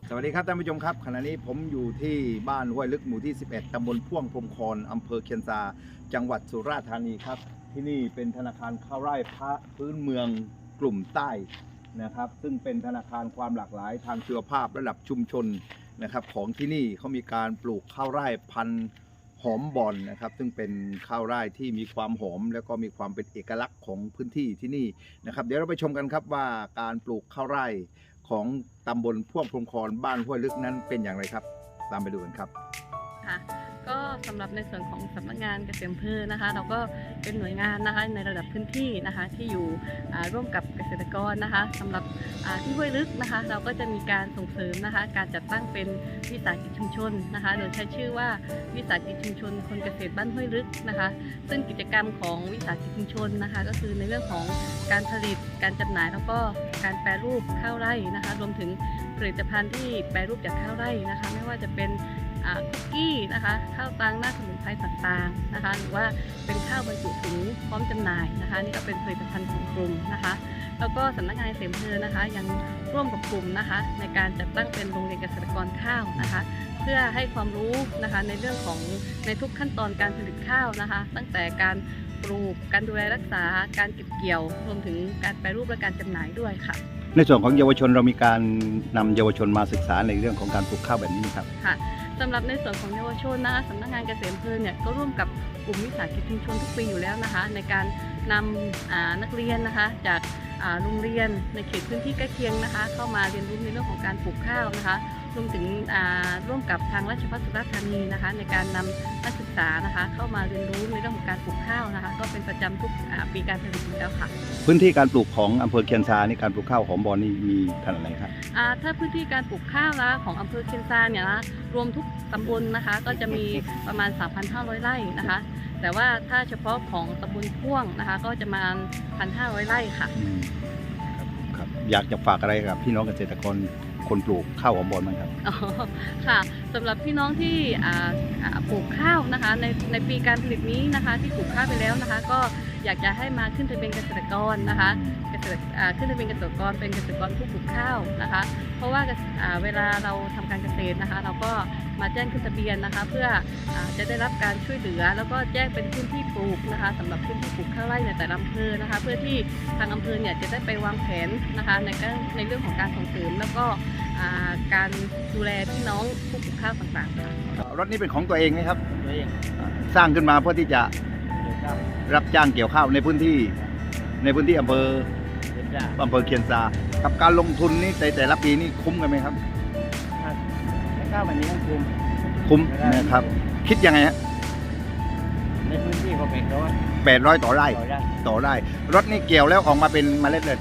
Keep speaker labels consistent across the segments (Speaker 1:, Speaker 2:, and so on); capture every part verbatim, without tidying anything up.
Speaker 1: สวัสดีครับท่านผู้ชมครับขณะนี้ผมอยู่ที่บ้านห้วยลึกหมู่ที่สิบเอ็ดตำบลพ่วงพรมคอนอำเภอเคียนซาจังหวัดสุราษฎร์ธานีครับที่นี่เป็นธนาคารข้าวไร่พระพื้นเมืองกลุ่มใต้นะครับซึ่งเป็นธนาคารความหลากหลายทางชีวภาพระดับชุมชนนะครับของที่นี่เขามีการปลูกข้าวไร่พันธุ์หอมบอนนะครับซึ่งเป็นข้าวไร่ที่มีความหอมแล้วก็มีความเป็นเอกลักษณ์ของพื้นที่ที่นี่นะครับเดี๋ยวเราไปชมกันครับว่าการปลูกข้าวไร่ของตำบลพ่วงพรมคอนบ้านห้วยลึกนั้นเป็นอย่างไรครับตามไปดูกันครับ
Speaker 2: ค่ะก็สำหรับในส่วนของสำนักงานเกษตรอำเภอนะคะเราก็เป็นหน่วยงานนะคะในระดับพื้นที่นะคะที่อยู่ร่วมกับเกษตรกรนะคะสำหรับที่ห้วยลึกนะคะเราก็จะมีการส่งเสริมนะคะการจัดตั้งเป็นวิสาหกิจชุมชนนะคะโดยใช้ชื่อว่าวิสาหกิจชุมชนคนเกษตรบ้านห้วยลึกนะคะซึ่งกิจกรรมของวิสาหกิจชุมชนนะคะก็คือในเรื่องของการผลิตการจำหน่ายแล้วก็การแปรรูปข้าวไร่นะคะรวมถึงผลิตภัณฑ์ที่แปรรูปจากข้าวไร่นะคะไม่ว่าจะเป็นคุกกี้นะคะข้าวตังหน้าสมุนไพรต่างๆนะคะหรือว่าเป็นข้าวบรรจุถุงพร้อมจำหน่ายนะคะนี่ก็เป็นผลิตภัณฑ์ของกลุ่มนะคะแล้วก็สำนักงานเกษตรอำเภอนะคะยังร่วมกับกลุ่มนะคะในการจัดตั้งเป็นโรงเรียนเกษตรกรข้าวนะคะเพื่อให้ความรู้นะคะในเรื่องของในทุกขั้นตอนการผลิตข้าวนะคะตั้งแต่การปลูกการดูแลรักษาการเก็บเกี่ยวรวมถึงการแปรรูปและการจำหน่ายด้วยค่ะ
Speaker 1: ในส่วนของเยาวชนเรามีการนำเยาวชนมาศึกษาในเรื่องของการปลูกข้าวแบบนี้ครับ
Speaker 2: ค่ะสำหรับในส่วนของเยาวชนนะคะสำนักงานเกษตรอำเภอเนี่ยก็ร่วมกับกลุ่มวิสาหกิจชุมชนทุกปีอยู่แล้วนะคะในการนำนักเรียนนะคะจากโรงเรียนในเขตพื้นที่ใกล้เคียงนะคะเข้ามาเรียนรู้ในเรื่องของการปลูกข้าวนะคะรวมถึงร่วมกับทางราชภัฏสุราษฎร์ธานีนะคะในการนำนักศึกษานะคะเข้ามาเรียนรู้ในเรื่องของการปลูกข้าวนะคะก็เป็นประจำทุกปีการผลิตอยู่แล้วค่ะ
Speaker 1: พื้นที่การปลูกของอำเภอเคียนซานี่การปลูกข้าวหอมบอนนี่มีขนาดไหนครับ
Speaker 2: ถ้าพื้นที่การปลูกข้าวนะของอำเภอเคียนซาเนี่ยนะรวมทุกตำบลนะคะก็จะมีประมาณ สามพันห้าร้อย ไร่นะคะแต่ว่าถ้าเฉพาะของตำบลพ่วงนะคะก็จะมา หนึ่งพันห้าร้อย ไร่ค่ะ
Speaker 1: ครับอยากจะฝากอะไรกับพี่น้องเกษตรกรคนปลูกข้าวหอมบอนไหมครับ
Speaker 2: อ๋อค่ะสำหรับพี่น้องที่ปลูกข้าวนะคะในในปีการผลิตนี้นะคะที่ปลูกข้าวไปแล้วนะคะก็อยากจะให้มาขึ้นทะเบียนเกษตรกรนะคะเกษตรขึ้นทะเบียนเกษตรกรเป็นเกษตรกรผู้ปลูกข้าวนะคะเพราะว่าเวลาเราทำการเกษตรนะคะเราก็มาแจ้งขึ้นทะเบียนนะคะเพื่อจะได้รับการช่วยเหลือแล้วก็แจ้งเป็นพื้นที่ปลูกนะคะสำหรับพื้นที่ปลูกข้าวไร่ในแต่ละอำเภอนะคะเพื่อที่ทางอำเภอเนี่ยจะได้ไปวางแผนนะคะในในเรื่องของการส่งเสริมแล้วก็การดูแลพี่น้องผู้ปลูกข้าวต่างๆค่ะ
Speaker 1: รถนี้เป็นของตัวเองไหมครับตัวเองสร้างขึ้นมาเพื่อที่จะรับจ้างเกี่ยวข้าวในพื้นที่ในพื้นที่อำเภออำเภอเคียนซากับการลงทุนนี้ในแต่ละปีนี่คุ้มกันไหมครับ
Speaker 3: ข้าวแบบนี้ต้องคุ้ม
Speaker 1: คุ้มนะครับคิดยังไงฮะ
Speaker 3: ในพื้นที่เขาแปดร้อย
Speaker 1: แปดร้อยต่อไร่ต่อไร่รถนี่เกี่ยวแล้วออกมาเป็นเมล็ดเลย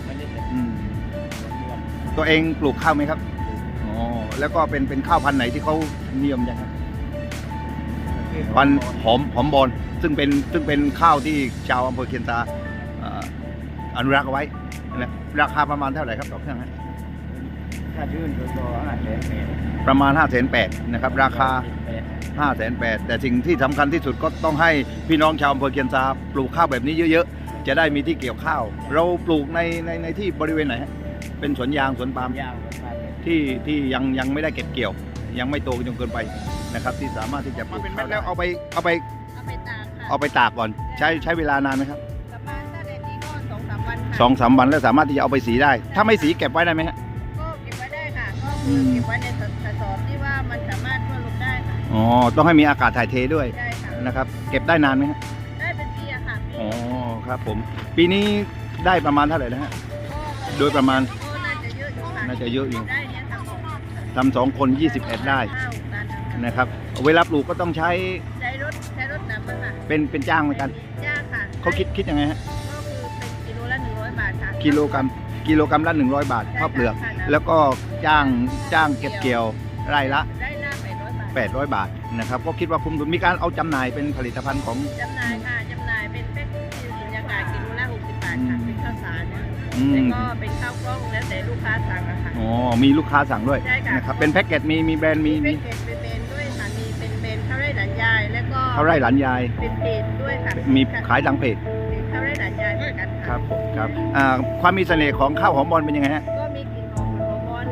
Speaker 1: ตัวเองปลูกข้าวไหมครับอ๋อแล้วก็เป็นเป็นข้าวพันธุ์ไหนที่เขานิยมยังครับพันธุ์หอมหอมบอนซึ่งเป็นซึ่งเป็นข้าวที่ชาวอำเภอเคียนซาอนุรักษ์เอาไว้นะราคาประมาณเท่าไหร่ครับต่อเครื่องฮะ
Speaker 3: ถ้ายื่นตัวห้าแสนแปด
Speaker 1: ประมาณห้าแสนแปดนะครับราคาห้าแสนแปดแต่สิ่งที่สำคัญที่สุดก็ต้องให้พี่น้องชาวอำเภอเคียนซาปลูกข้าวแบบนี้เยอะๆจะได้มีที่เกี่ยวข้าวเราปลูกในในในที่บริเวณไหนฮะเป็นสวนยางสวนปาล์มที่ที่ยังยังไม่ได้เก็บเกี่ยวยังไม่โตจนเกินไปนะครับที่สามารถที่จะปลูกเป็นเม็ดแล้วเอาไปเอาไป
Speaker 2: เอาไปตากค่ะ
Speaker 1: เอาไปตากก่อนใช้ใช้เวลานานไหมครับ
Speaker 2: ประมาณถ้าแดดดีก็สองสามวันค่ะ
Speaker 1: สองสามวันแล้วสามารถที่จะเอาไปสีได้ถ้าไม่สีเก็บไว้ได้ไหมฮะ
Speaker 2: ก็เก็บไว้ได้ค่ะก็คือเก็บไว้ในกระสอบที่ว่ามันสามารถทั่วลงได้ค่ะ
Speaker 1: อ๋อต้องให้มีอากาศถ่ายเทด้วย
Speaker 2: ได้ค่ะ
Speaker 1: นะครับเก็บได้นานไหมฮะ
Speaker 2: ได้เป็นปีอะค่ะ
Speaker 1: อ๋อครับผมปีนี้ได้ประมาณเท่าไหร่นะฮะโดยประมาณน่าจะเยอะอยู่ทำสองคนยี่สิบเอ็ดได้นะครับเวลาปลูกก็ต้องใช้
Speaker 2: ใช้รถใช้รถนำมาค่ะ
Speaker 1: เป็นเป็นจ้างเหมือนกัน
Speaker 2: จ้างค่ะ
Speaker 1: เขาคิดคิดยังไงฮะ
Speaker 2: ก็คือเป็นกิโลละหนึ่งร้อยบาทค่ะ
Speaker 1: กิโลกรัมกิโลกรัมละหนึ่งร้อยบาทข้าวเปลือกแล้วก็จ้างจ้างเก็บเกี่ยวไร่ละ
Speaker 2: ไร่ละแปดร้อยบาท
Speaker 1: แปดร้อยบาทนะครับก็คิดว่าคุ้มทุนมีการเอาจำหน่ายเป็นผลิตภัณฑ์ของ
Speaker 2: จำหน่ายค่ะจำหน่ายเป็นแพ็คที่สุญญากาศกิโลละหกสิบบาทค่ะเป็นข้าวสารแล้วก็เป็นข้าวกล้องแล้วแต่ลูกค้าสั่งอะค่ะ
Speaker 1: อ๋อมีลูกค้าสั่งด้วยนะครับเป็นแพ็กเกจมีมีแบรนด์มี
Speaker 2: มีแพ็กเกจเป็นแบรนด์ด้วยค่ะมีเป็นแบรนด์ข้าวไร่หลานยายแล้วก็
Speaker 1: ข้าวไร่หลานยาย
Speaker 2: เป็นเพจด้วยค่ะ
Speaker 1: มีขายทางเพจ
Speaker 2: ข้าวไร่หลานยายเหมือนกัน
Speaker 1: ครับผมครับความมีเสน่ห์ของข้าวหอมบอนเป็นยังไงฮะ
Speaker 2: ก็มีกลิ่นหอมหอมบอนค่ะ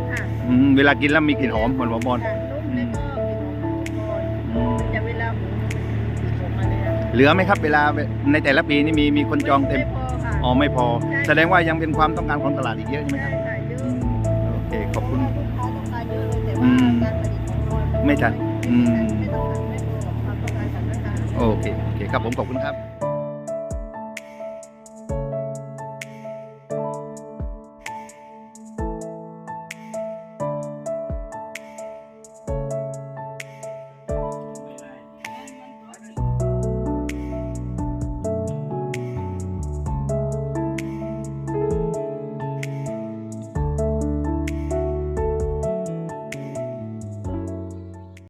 Speaker 1: อืมเวลากินแล้วมีกลิ่นหอมเหมือนหอมบอล
Speaker 2: ค่ะนุ่มแล้วก็กลิ่นหอมของบอน
Speaker 1: อืม
Speaker 2: แต่เวลาหมูมันจะออกมาเลยอะ
Speaker 1: เหลือไหมครับเวลาในแต่ละปีนี่มีมีคนจองเต็ม
Speaker 2: ไม่พอค่ะ
Speaker 1: อ๋อไม่พอ
Speaker 2: ใช่
Speaker 1: แสดงว่ายังเป็นความต้องการของตลาดอีกเยอะใช่ไหมค
Speaker 2: ใช่
Speaker 1: รับ
Speaker 2: ค่ะเยอะ
Speaker 1: อืมโอเคขอบคุณ
Speaker 2: เพราะว่าลูกค้าต้องการเยอะเลยแต่
Speaker 1: อื
Speaker 2: ว่าม การผลิตของเรา
Speaker 1: ไม่ทันอืม
Speaker 2: ไม่ต้องทันไม่พอกับความต้องการของลูกค้า
Speaker 1: โอเคโอเคครับผมขอบคุณครับ